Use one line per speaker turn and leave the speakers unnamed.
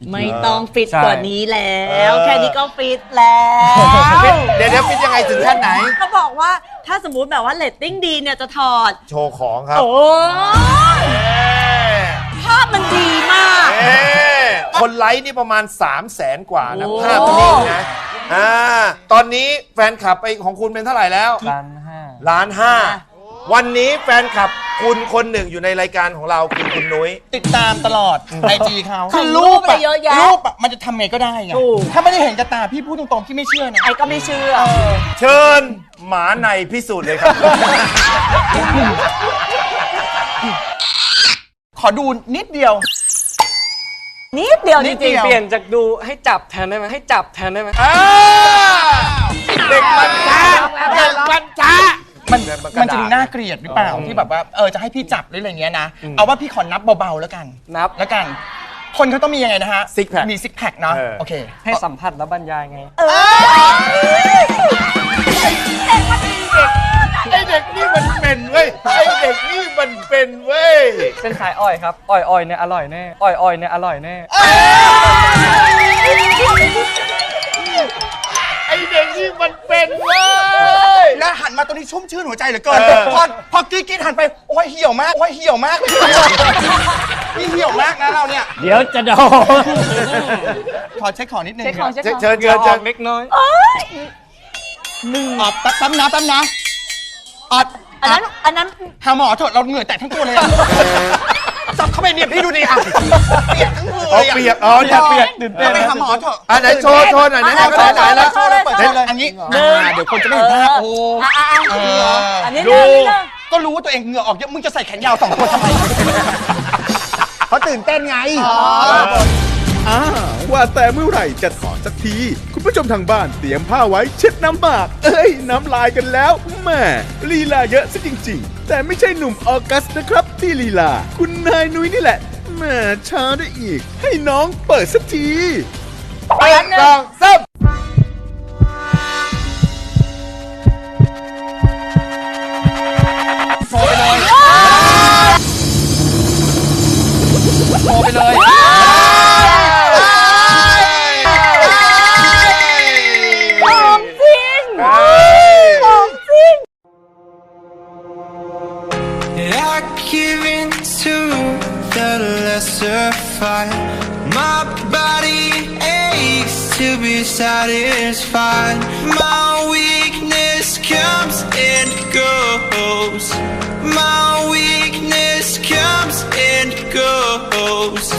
ไม่ต้องฟิตกว่านี้แล้วแค่นี้ก็ฟิตแล้ว
เดี๋ยวฟิตยังไงถึงขั้นไหน
เขาบอกว่าถ้าสมมุติแบบว่าเรตติ้งดีเนี่ยจะถอด
โชว์ของครับ
โอ้ยภาพมันดีมาก
คนไลค์นี่ประมาณ 300,000 กว่านะ
โอ้
ภาพนิ่งนะตอนนี้แฟนคลับไปของคุณเป็นเท่าไหร่แล้ว 1,500,000วันนี้แฟนคลับคุณคนหนึ่งอยู่ในรายการของเราคือคุณนุ้ย
ติดตามตลอดไอจีเขา
คือรูปอะเยอะแยะ
รูปอะมันจะทำไงก็ได้ไง
ถูก
ถ้าไม่ได้เห็นกระตาพี่พูดตรงๆพี่ไม่เชื่อนะ
ไอ้ก็ไม่เชื่อ
เชิญหมาในพิสูจน์เลยครับ
ขอดูนิดเดียว
นิดเดียวจ
นิดเดี
ริง
ยว
เปลี่ยนจากดูให้จับแทนได้ไหมให้จับแทนได้ไหม
เด็กมันช้าเด็กมันช้า
มันจะดูน่าเกลียดหรือเปล่าที่แบบว่าจะให้พี่จับหรืออะไรเงี้ยนะเอาว่าพี่ขอนับเบาๆแล้วกัน
นับ
แล้วกัน คนเขาต้องมียังไงนะฮะ
Six pack
มีซิกแพคเนาะโอเค
ให้สัมผัสแล้วบรรยายไง
ไอเด็กนี่มันเป็นเว้ย ไอเด็กนี่มันเป็นเว้ย
เป็นขายอ้อยครับ อ้อยเนี่ยอร่อยแน่ อ้อยเนี่ยอร่อยแน่
ไอเด็กนี่มันเป็นเว้ย
แล้วหันมาตรงนี้ชุ่มชื่นหัวใจเหลือเกินพอกรีดหันไปโอ้ยเหี่ยวมากโอ้ยเหี่ยวมากนี่เหี่ยวมากนะเราเนี่ย
เดี๋ยวจะโดน
ขอเช็คของนิดนึง
เช็คของเช็คของ
เชิญ
เดี๋
เชิ
ยว
ญ
อ
เชิ
อ
ญ
กเล็กน้อย
แป๊บนะออด
อันนั้น
หาหมอเถอะเราเหงื่อแตกทั้งตัวเลยอะจับเข้าไปเนี่ยพี่ดูดิอ่ะเปียกทั้งมือ
อ๋อ
เลยอะ
เปียกอ๋อเนี่ยเปียก
เราไปหาหมอเถอะ
ไหนโชว์หน่อยนะ
อ่ะ
โชว์หน่อยแล้ว
โชว์เลย
เปิดเลยอันนี้เดี๋ยวคนจะไม่เห็นภาพโอ้
อันนี้
ดู
เรื่องนี้เรื่อง
ก็รู้ว่าตัวเองเหงื่อออกเยอะมึงจะใส่แขนยาว2 ตัวทำไม
เขาตื่นเต้นไง
ว่าแต่เมื่อไหร่จะถอนสักที คุณผู้ชมทางบ้านเตรียมผ้าไว้เช็ดน้ำหมาก น้ำลายกันแล้วแหม่ลีลาเยอะซะจริงๆ แต่ไม่ใช่หนุ่มออกัสนะครับที่ลีลา คุณนายนุ้ยนี่แหละแหม่ช้าได้อีก ให้น้องเปิดสักที
1 2 3
โทรไปเลยโทรไปเลย
ของจริงของจริง
I give in to the lesser fight. My body aches to be satisfied. My weakness comes and goes. My weakness comes and goes.